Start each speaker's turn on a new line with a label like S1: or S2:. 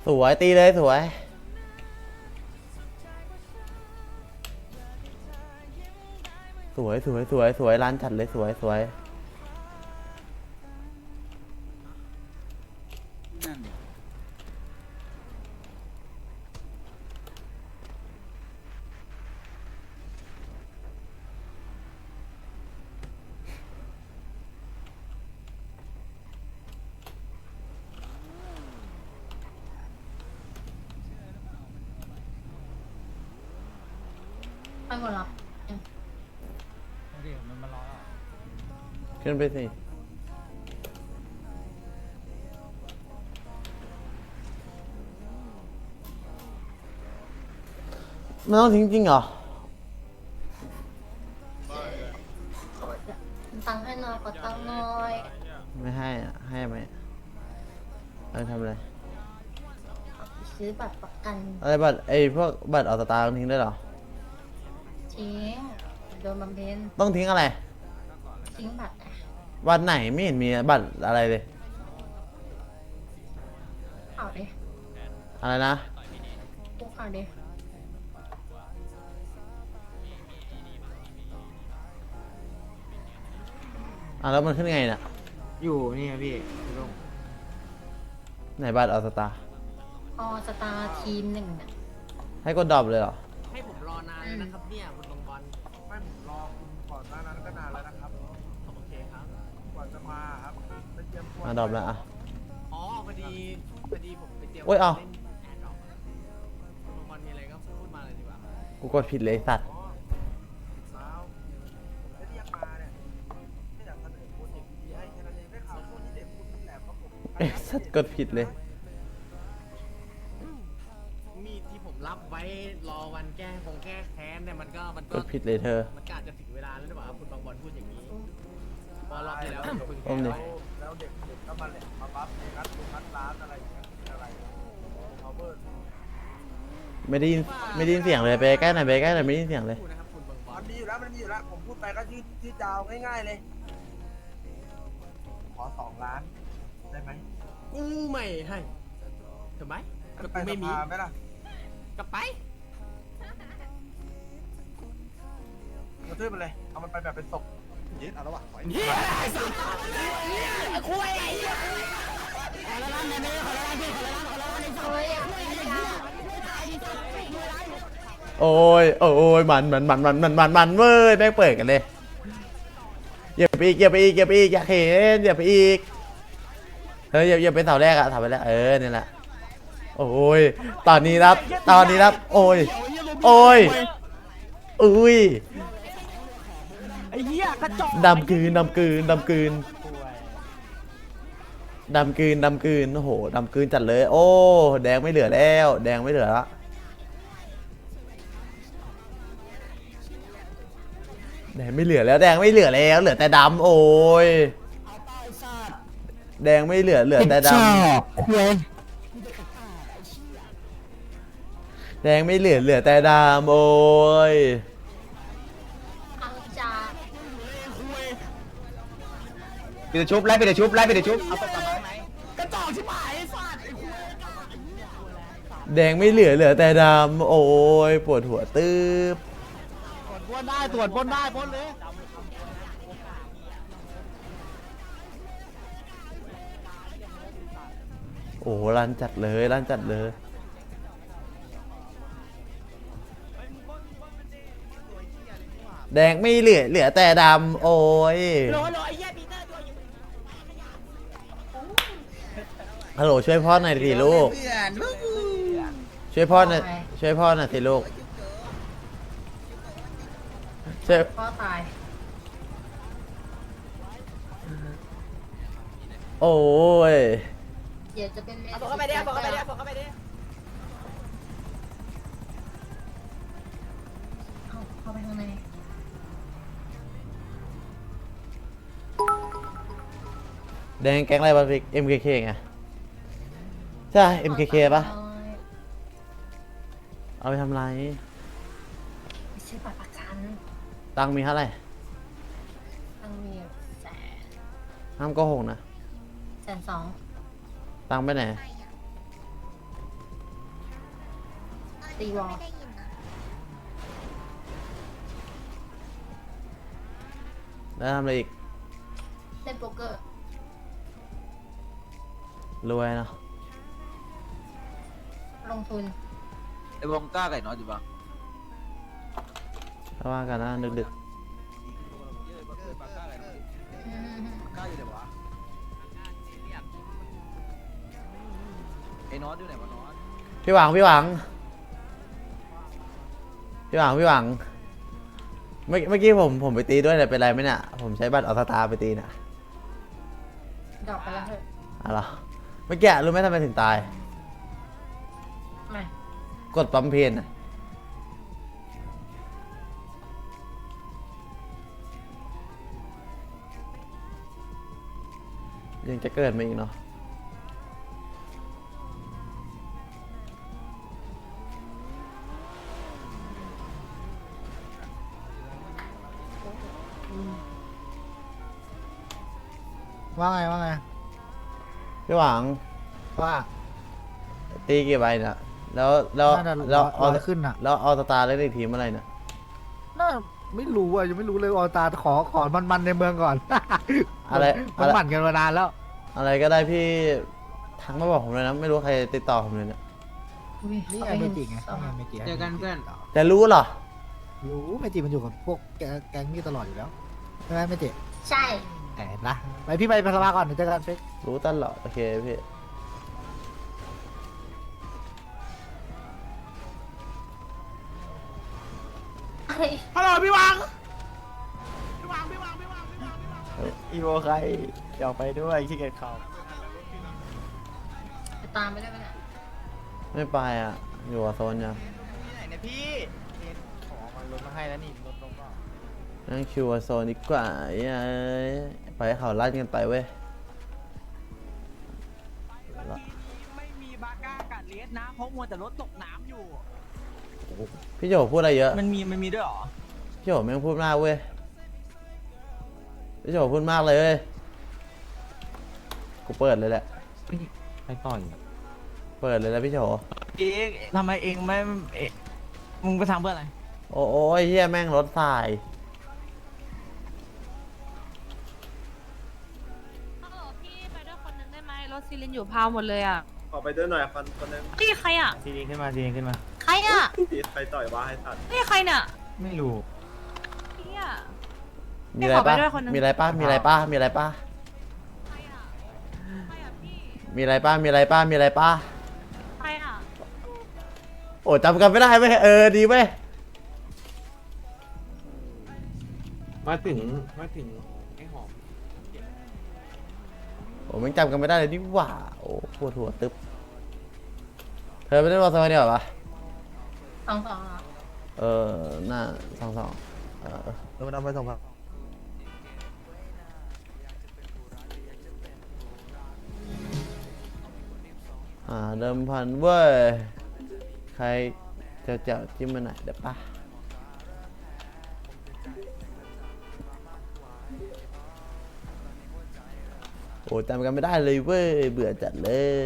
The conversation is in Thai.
S1: สวยตีเลยสวยสวยสวยสวยสวยร้านจัดเลยสวยสวย
S2: นั่นดิ
S3: ไปหมดแล้ว
S2: เดี๋ยวมันมารอแล้ว
S1: ขึ้นไปสิมันต้องทิ้งจริงเหรอ
S3: ตังค์ให้หน่อยขอตังค์หน่อย
S1: ไม่ให้อะให้ไหมเอาทำอะไร
S3: ซื้อบัตรประกัน
S1: อะไรบัตรไอ้พวกบัตรออกสตาร์ต้องทิ้งได้วยเหรอ
S3: ทิ้งโดนบำเพ็ญ
S1: ต้องทิ้งอะไร
S3: ทิ้งบัตรอะ
S1: บัตรไหนไม่เห็นมีบัตรอะไรเลย
S3: เอาดิ
S1: อะไรนะ
S3: พวกเอาดิ
S1: แล้วมันขึ้นไงน่ะ
S4: อยู่นี่ครับพี่ลุง
S1: ไหนบัตรออกสตาร์
S3: ออสตาร์ทีมหนึ่งน่ะ
S1: ให้กดดรอปเลยเหรอ
S4: ให้ผมรอนานเลยนะครับเนี่ยคุณบางบอล
S5: ไม่ผมรอคุณก่อนหน้านั้นก็นานแล้วนะครับ
S4: โอเคครับ
S5: กว่าจะมาครับไปเตรียมตัว
S1: ดรอปแล้วอ่ะ
S4: อ๋อพอดีผมไปเตรียม
S1: โอ้ยเอา
S4: ล่นแอร์ดรอปคุณบางบอลมีอะไรก็พูดมาเลยดีกว่า
S1: กูกดผิดเลยไอ้สัตว์
S5: อ๋อสาวผมจะเรียกมาเนี่ยไม่อยากเสนอโปรเจกต์ดีๆให้แค่นั้นเองได้ข่าวช่วงนี้เด็กคุณแหลมครับผม
S1: ไอ้สัตว์กดผิดเลย
S4: มีดที่ผมรับไว้รอวันแก้แค้นเนี่ยมันก็
S1: กดผิดเลยเธอ
S4: มันก็อาจจะถึงเวลาแล้วหรือเปล่าครับคุณบางบอลพูดอย่างนี้พอรอบที่แล้วคุณ
S1: ต้มดิ
S5: แล้วเด็กก็มาแหลมมาบัฟในนัดร้านอะไรอย่างเงี้ยเป็นอะไรเขาเบิร์ด
S1: ไม่ได้ยินเสียงเลยไปใกล้หน่อยไปใกล้หน่อยไม่ได้ยินเสียงเลย
S4: พูดนะครับคุณบางบอ
S5: มั
S4: ล
S5: นมีอยู่แล้วมันมีอยู่แล้วผมพูดไปก็ชื่อจาวง่ายๆเลยขอ2 ล้านได้ไหม
S4: กูไม่ให้ถูกไหมก็
S5: ไป
S4: กูไม่มี
S5: สภาไหมล่ะ
S4: ก็ไป
S5: กระทืบมันเลย เอามันไปแบบเป็นศพเย็ดเอาแล้ววะปล่อย
S4: เฮียไอ้สัตว์คุย
S3: เฮ้ย
S1: โอ้ยโอ้ยมันเว้ยแม่งเปิดกันเลยอย่าไปอีกอย่าไปอีกอย่าไปอีกอย่าเห็นอย่าไปอีกเฮ้ยอย่าไปเสาแรกอะเสาไปแล้วนี่แหละโอ้ยตอนนี้ครับโอ้ยอุ้ย
S2: ไอ้เหี้ยกระจอก
S1: ดำกืนโอ้โหดำกืนจัดเลยโอ้แดงไม่เหลือแล้วแดงไม่เหลือละแดงไม่เหลือแล้วแดงไม่เหลือแล้วเหลือแต่ดำโอ้ยแดงไม่เหลือแต่ดำแดงไม่เหลือแต่ดำโอ้ย
S3: อังจา
S4: ปิดชุบไล่ปิดชุบไล่ปิดชุบ
S1: แดงไม่เหลือแต่ดำโอ้ยปวดหัวตืบ
S2: ตรวจได้ตรวจพ้นได้พ้นเลย
S1: โอ้รันจัดเลยแดงไม่เหลือแต่ดำโอ้ยฮัลโหลช่วยพ่อหน่อยสิลูกช่วยพ่อหน่อยสิลูกช่วย
S3: พ่อตาย
S1: โอ้ย
S3: เดี๋ยวจะเป็นเมีย
S4: บอกเข้าไปดิบอกเข้าไปดิบอกเข้าไปดิ
S3: เข้าไปข้างใน
S1: แดงแก๊งอะไรบ้างพี่ MKK ไงใช่ MKK ปะเอาไปทำไร
S3: ไม่ใช่บัตรประกัน
S1: ตังค์มีเท่าไหร่
S3: ตังค์มี100,000
S1: ห้ามโกหกนะ
S3: 120,000
S1: ตังค์ไปไหน
S3: ตีวอล
S6: ไม่ได้ยินนะ
S1: แล้วทำอะไรอีก
S3: เล่นโป๊กเกอร์
S1: รวยเนาะ
S3: ลงทุน
S2: ไอ้วงก้าไก่น้อยอยู่ปะ
S1: ถ้าว่ากันนะดึก
S3: อืม
S2: ก้าอยู่ไหนวะไอ้น้อยอยู่ไหนวะน้อย
S1: ๆพี่หวังเมื่อกี้ผมไปตีด้วยเนี่ยเป็นไรไหมเนี่ยผมใช้บัตรออสตาไปตีน่ะ
S3: ดรอปไปแล้วเถอะ
S1: อะไรเมื่อกี้รู้ไหมทำไมถึงตาย
S3: ไม่
S1: กดปั๊มเพนน่ะยังจะเกิดมาอีกเนาะ
S2: ว่าไง
S1: พี่หวัง
S2: ว่า
S1: ตีกี่ใบเนี่ยแล้ว
S2: น่าจะ
S1: แล้ว
S2: ร้อยขึ้นน่ะ
S1: แล้วเอาสตาร์เล่นอีกทีเมื่อไหร่เนี่ย
S2: น่าไม่รู้อ่ะยังไม่รู้เลยออตาขอมันในเมืองก่อน
S1: อะไร
S2: มันหมั่นกันมานานแล้ว
S1: อะไรก็ได้พี่ทักมาบอกผมเลยนะไม่รู้ใครติดต่อผมเลยเนี่ย
S3: อุ๊ย
S2: นี่
S3: ขา
S2: ไง
S3: ป
S2: เม
S3: ห็
S2: จิไง
S3: สอง
S2: เมจิ
S4: เจอกันเพื่อน
S1: แต่รู้เหรอ
S2: รู้เมจิมันอยู่กับพวกแก๊งนี่ตลอดอยู่แล้วใช่ไหมเมจิ
S3: ใช่
S2: แอบนะไปพี่ไปพลาก่อนเดี๋ยวเจอกันเฟก
S1: รู้ตลอดโอเคพี่
S3: เฮ้ย
S5: ฮัลโหลพี่วัง
S2: อีโวใครอยากไปด้วยขี้เกียจขับ
S3: จะตามไปได้ไหมเนี่ย
S1: ไม่ไปอ่ะอยู่กับโซนยัง
S5: ที่ไหนเนี่ยพี่ขอมันลดมาให้แล้วนี่ลดลงก็
S1: นั่งคิวกับโซนดีกว่าเอ้ยไปให้เขาลั่นกันไปเว้ย
S5: ไม่มีบาก้ากัดเลสนะเพราะมัวแต่รถตกน้ำอยู่
S1: พี่โจพูดอะไรเยอะ
S5: มันมีด้วยเหรอ
S1: พี่โจแม่งพูดมากเว้ยพี่โจพูดมากเลยเว้ยกูเปิดเลยแหละ
S2: ใครต่อย
S1: เปิดเลยแล้วพี่โจ
S5: เอ๊ะทำไมเองไม่เอ๊ะมึงไปทำเพื่ออะไร
S1: โอ้ยเฮียแม่งรถสาย
S7: ฮัลโหลพี่ไปด้วยคนนึงได้ไหมรถซีลินอยู่พาวหมดเลยอ่ะ
S8: ออกไปด้วยหน่อยคนนึง
S7: พี่ใครอ่ะ
S2: ทีนี้ขึ้นมา
S7: ใครอ่ะ
S8: ตีใครต่อยว่าให้ตัด
S7: พี่ใครเนี่ย
S2: ไม่รู้
S7: พี่อ่ะ
S1: มีอะไร
S7: ขอไป
S1: ปะ
S7: ด้วยคนนึง
S1: มีอะไรปะมีอะไรปะมีอะไรปะ
S7: ใครอ่ะใครอ่ะพี่
S1: มีอะไรปะมีอะไรปะมีอะไรปะ
S7: ใครอ่ะ
S1: โอ้จำกันไม่ได้เว้ยดีเว้ย
S8: มาถึงไอ้หอม
S1: โอ้แม่งจำกันไม่ได้เลยนี่หว่าโอ้ปวดหัวตึ๊บเธอไม่ได้มาโซนเนี่ยเหรอปะ
S3: สองเหรอ
S1: หน้าสอง
S2: เราเอาไปส่งมา
S1: เดิมพันเว้ยใครเจ้าจิ้มมาหน่อยเดี๋ยวปะโอ้จำกันไม่ได้เลยเว้ยเบื่อจัดเลย